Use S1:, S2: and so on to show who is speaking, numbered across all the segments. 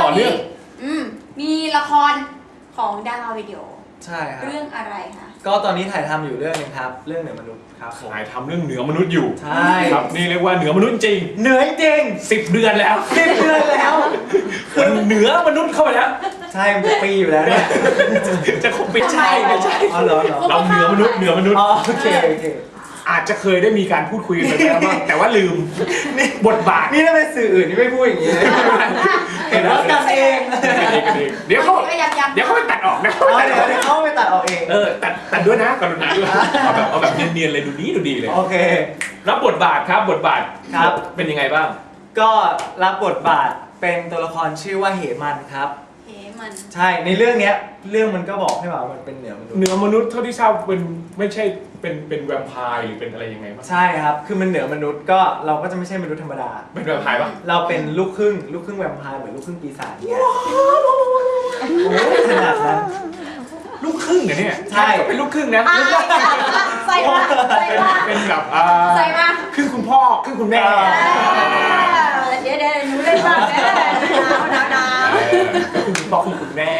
S1: อเนื่อง
S2: มีละครของดาราวิดีโอ
S3: ใช่ครับ
S2: เรื่องอะไรคะ
S3: ก็ตอนนี้ถ่ายทำอยู่เรื่องนึงครับเรื่องเหนือมนุษย์ครับผม
S1: ถ่ายทำเรื่องเหนือมนุษย์อยู่
S3: ใช่
S1: ครับนี่เรียกว่าเหนือมนุษย์จริง
S3: เหนือจริง
S1: 10 เดือนแล้ว
S3: 10 เดือนแล้ว
S1: มันเหนือมนุษย์เข้าไปแล้ว
S3: ใช่มันจะปีอยู่แล้วเนี่ย
S1: จะคงไม่ใช่ไม่ใช่
S3: อ๋อเหรอ
S1: เราเหนือมนุษย์
S3: อ๋อโอเค
S1: อาจจะเคยได้มีการพูดคุยกันไปแล้วบ้างแต่ว่าลืมนี่บทบาท
S3: นี่ถ้าเป็นสื่ออื่นนี่ไม่พูดอย่างนี้เลยเห็นว่ากันเอง
S1: เดี๋ยวเขาไปตัดออกนะ
S3: เดี๋ยวเขาไปตัดออกเอง
S1: ตัดด้วยนะกรุณาด้วยเอาแบบเนียนๆเลยดูดีเลย
S3: โอเค
S1: รับบทบาทครับบทบาท
S3: ครับ
S1: เป็นยังไงบ้าง
S3: ก็รับบทบาทเป็นตัวละครชื่อว่าเหมันครับใช่ในเรื่องเนี้ยเรื่องมันก็บอกให้ว่ามันเป็นเหนือมนุษย์
S1: เท่าที่ทราบเป็นไม่ใช่เป็นแวมไพร์หรือเป็นอะไรยังไงบ้าง
S3: ใช่ครับคือมันเหนือมนุษย์ก็เราก็จะไม่ใช่มนุษย์ธรรมดา
S1: เป็นแวมไพร์ปะ
S3: เราเป็นลูกครึ่งแวมไพร์เหมือนลูกครึ่งปีศาจเนี่ยโอ้ขนาดนั้น
S1: ลูกครึ่งเนี่ย
S3: ใช่
S1: เป็นลูกครึ่งนะ
S2: ใส่มา
S1: เป็นแบบ
S2: ใส่มา
S1: ครึ่งคุณพ่อครึ่งคุณแม่
S2: เดี๋ยวหนูเล่นบ้างหนาว
S1: คุณพ่อคุณแม่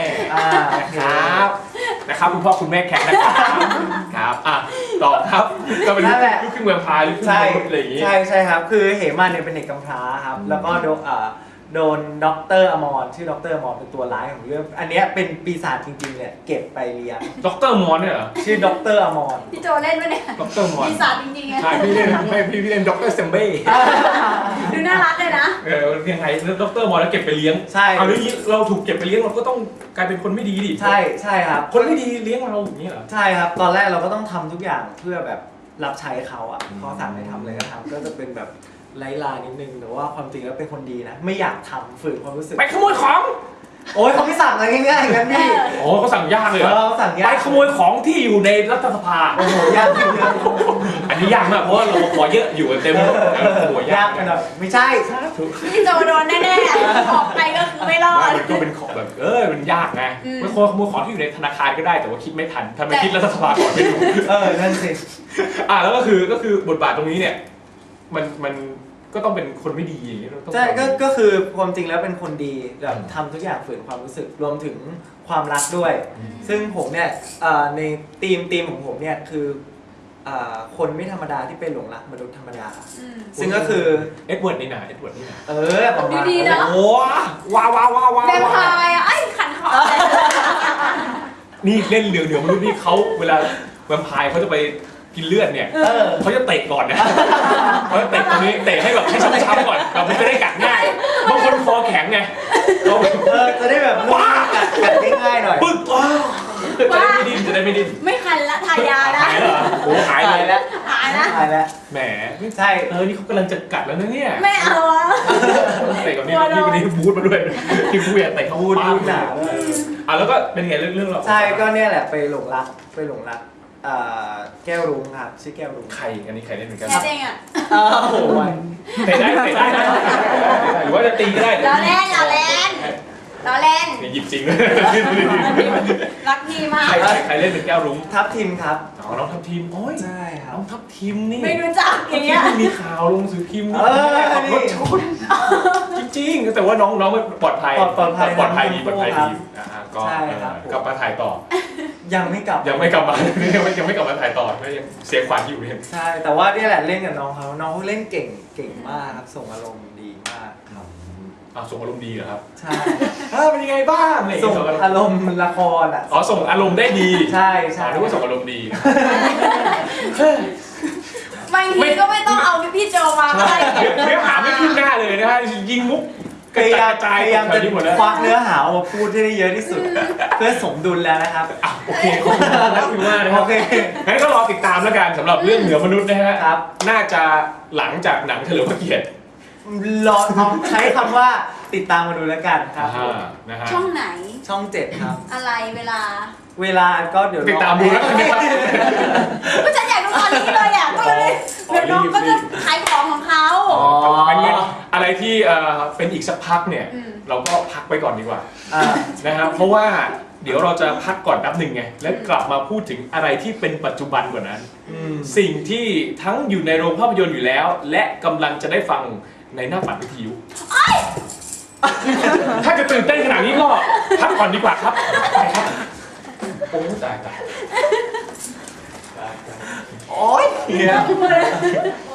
S1: นะครับคุณพ่อคุณแม่แขกนะครับต่อครับก็เป็นลูกครึ่งแวมไพร์ลูกครึ่งมนุษย์อะไรอย่างงี้
S3: ใช่ครับคือเหมันเนี่ยเป็นเด็กกำพร้าครับแล้วก็โดนด็อกเตอร์อมรชื่อด็อกเตอร์อมรเป็นตัวร้ายของเรื่องอันนี้เป็นปีศาจจริงๆเนี่ยเก็บไปเลี้ยง
S1: ด็อกเตอร์อมรเนี่ยเหรอ
S3: ชื่อด็อกเตอร์อมร
S2: พี่โจเล่นไหมเนี่ย
S1: ด็อกเตอร์อมร
S2: ปีศาจจริงๆไง
S1: ใช่พี่เล่นพี่เล่นด็อกเตอร์เซมเบ้
S2: ดูน่ารักเลยนะ
S1: ยังไงด็อกเตอร์อมรแล้วเก็บไปเลี้ยง
S3: ใช่
S1: เอาเรื่องนี้เราถูกเก็บไปเลี้ยงเราก็ต้องกลายเป็นคนไม่ดีดิ
S3: ใช่ครับ
S1: คนไม่ดีเลี้ยงเราอย่างนี้เหรอ
S3: ใช่ครับตอนแรกเราก็ต้องทำทุกอย่างเพื่อแบบรับใช้เขาอ่ะเขาสั่งให้ทำอะไรก็ทำก็จะเป็นแบบไร้ลานิดนึงแต่ว่าความจริงแล้วเป็นคนดีนะไม่อยากทำฝืนความรู้สึก
S1: ไปขโมยของ
S3: โอ้ยเขาไม่สั่งอะไรง่ายๆกันพี่
S1: โอ้เขาสั่งยากเลย
S3: เขาสั่งยาก
S1: ไปขโมยของที่อยู่ในรัฐสภา
S3: โอ้โหยากจริง
S1: อันนี้ยากมากเพราะว่าเราขอเยอะอยู่เต็มหัวย
S3: ากไปหน่อยไม่ใช่
S2: พี่โจโดนแน่ๆออกไปก็คือไม่รอด
S1: มันก็เป็นของแบบมันยากไงไม่ควรขโมยของที่อยู่ในธนาคารก็ได้แต่ว่าคิดไม่ทันถ้าไม่คิดรัฐสภาก่อนไม่รู้
S3: นั่นสิ
S1: แล้วก็คือบทบาทตรงนี้เนี่ยมันก็ต้องเป็นคนไม่ดีอย่างนี้
S3: ใช่ก็คือความจริงแล้วเป็นคนดีแบบทำทุกอย่างฝืนความรู้สึกรวมถึงความรักด้วยซึ่งผมเนี่ยในธีมของผมเนี่ยคือคนไม่ธรรมดาที่เป็นหลงรักมนุษย์ธรรมดาซึ่งก็คือ
S1: เอ็ดเวิร์ดนี่นะ
S3: ประมาณ
S2: ดีนะ
S1: โอ้ว้าว
S2: แวมไพร์ไอ้ขันคอ
S1: นี่เล่นเหลือมนุษย์นี่เขาเวลาแวมไพร์เขาจะไปกินเลือดเนี่ยเขาจะเตะก่อนนะเขาจะเตะตรงนี้เตะให้แบบให้ช้ำๆก่อนแบบมันจะได้กัดง่ายบางคนคอแข็งไง
S3: จะได้แบบกัดง่ายๆหน่อย
S1: ปึ๊กจะได้ไม่ดิ้น
S2: ไม่คันละทายาละ
S1: หายเหรอโอ้หายเลย
S2: หาย
S3: แล้ว
S1: แหมไม่ใช่นี่เขากำลังจะกัดแล้วนะเนี่ย
S2: ไม่เอา
S1: เตะกับนี่วันนี้บูทมาด้วยที่บูทเตะเขาบูท
S3: หนา
S1: แล้วก็เป็นไงเรื่องเรา
S3: ใช่ก็เนี่ยแหละไปหลงรักแก้วรุ้งครับชื่อแก้วรุ้ง
S1: ใครอันนี้ใครเล่นเหมือนกัน
S2: แค่เองอ่ะ
S3: โอ้ย
S1: เตะได้นะหรือว่าจะตีก็ได้
S2: ล้อเล่น
S1: หยิบจริงเลย
S2: รักพี่มาก
S1: ใครเล่นเป็นแก้วรุ้ง
S3: ทับทิมครับ
S1: น้องทับทิมโอ้ย
S3: ใช่ครับ
S1: น้องทับทิมนี่
S2: ไม่รู้จักอย่างเงี้ย
S1: มีข่าวลงสื่อพิมพ์นี่รถชนจริงๆแต่ว่าน้องปลอดภัยดีก็กลับมาถ่ายต่อ
S3: ยังไม่กลับ
S1: มาถ่ายต่อไม่ยังเสียขวัญอยู่เนี่ย
S3: ใช่แต่ว่านี่แหละเล่นกับน้องเขาเล่นเก่งมากครับส่งอารมณ์ดีมากครับ
S1: ส่งอารมณ์ดีเหรอครับ
S3: ใช่
S1: เป็นยังไงบ้าง
S3: ส่งอารมณ์ละคร
S1: ส่งอารมณ์ได้ดี
S3: ใช่
S1: นึกว่าส่งอารมณ์ดี
S2: บางทีก็ไม่ต้องเอาพี่โจมาก็ได้
S1: เนื้อหาไม่ขึ้นหน้าเลยนะฮะยิงมุก
S3: พยายามจะควักเนื้อหามาพูดให้ได้เยอะที่สุดเพื่อสมดุลแล้วนะครับ
S1: โอเคขอบคุณมากนะครับงั้นก็รอติดตามแล้วกันสำหรับเรื่องเหนือมนุษย์นะฮะน่าจะหลังจากหนังเฉลิมพระเกียรติ
S3: รอใช้คำว่าติดตามมาดูแล้วกันครับ
S2: ช่องไหน
S3: ช่อง7ครับ
S2: อะไรเวลา
S3: ก็เดี๋ยว
S1: ติดตามดูแล้วกันนะครับ
S2: ก็ฉันอยากดูตอนนี้เลยอ่ะก็เลยเดี๋ยวน้องก็จะขายของเขา
S1: อะไรที่เป็นอีกสักพักเนี่ยเราก็พักไปก่อนดีกว่านะครับเพราะว่าเดี๋ยวเราจะพักก่อนแป๊บหนึ่งไงแล้วกลับมาพูดถึงอะไรที่เป็นปัจจุบันกว่านั้นสิ่งที่ทั้งอยู่ในโรงภาพยนตร์อยู่แล้วและกำลังจะได้ฟังในหน้าปัดวิทยุถ้าจะตื่นเต้นขนาดนี้ก็พักก่อนดีกว่าครับไปครับโอ้ตาย
S3: โอ๊ย
S1: เนี่ย